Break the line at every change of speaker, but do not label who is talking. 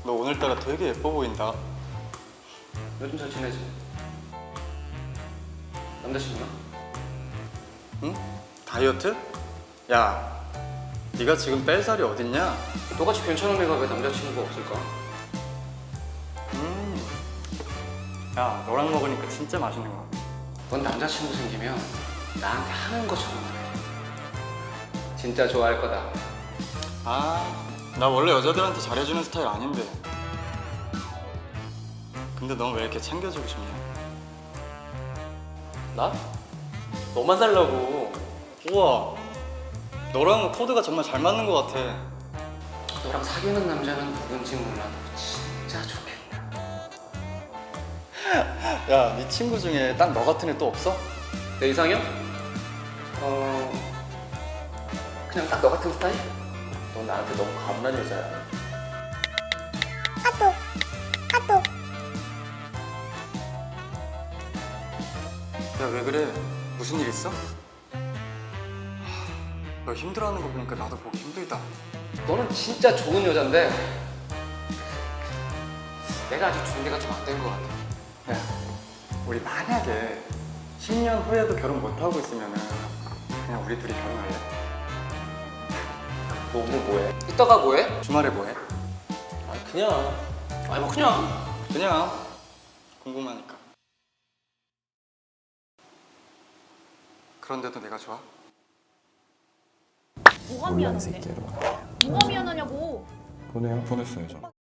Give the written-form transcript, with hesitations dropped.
너 오늘따라 되게 예뻐 보인다.
요즘 잘 지내지? 남자친구나?
응? 다이어트? 야, 네가 지금 뺄 살이 어딨냐?
너같이 괜찮은 애가 왜 남자친구가 없을까?
야, 너랑 먹으니까 진짜 맛있는 거 같아.
넌 남자친구 생기면 나한테 하는 것처럼 해. 진짜 좋아할 거다.
아, 나 원래 여자들한테 잘해주는 스타일 아닌데. 근데 넌 왜 이렇게 챙겨주고 싶냐?
나? 너만 달라고.
우와, 너랑은 코드가 정말 잘 맞는 것 같아.
너랑 사귀는 남자는 누군지 몰라도 진짜 좋겠다.
야, 네 친구 중에 딱 너 같은 애 또 없어?
내 이상형? 그냥 딱 너 같은 스타일? 넌 나한테 너무 가분한 여자야.
야, 왜 그래? 무슨 일 있어? 너 힘들어하는 거 보니까 나도 보기 힘들다.
너는 진짜 좋은 여잔데 내가 아직 준비가 좀 안 된 것 같아.
야, 우리 만약에 10년 후에도 결혼 못하고 있으면은 그냥 우리 둘이 결혼할래?
너 오늘 뭐해? 이따가 뭐해?
주말에 뭐해?
아니 뭐 그냥.
그냥 궁금하니까. 그런데도 내가 좋아?
뭐가 미안한데? 뭐가 미안하냐고.
보냈어요, 저.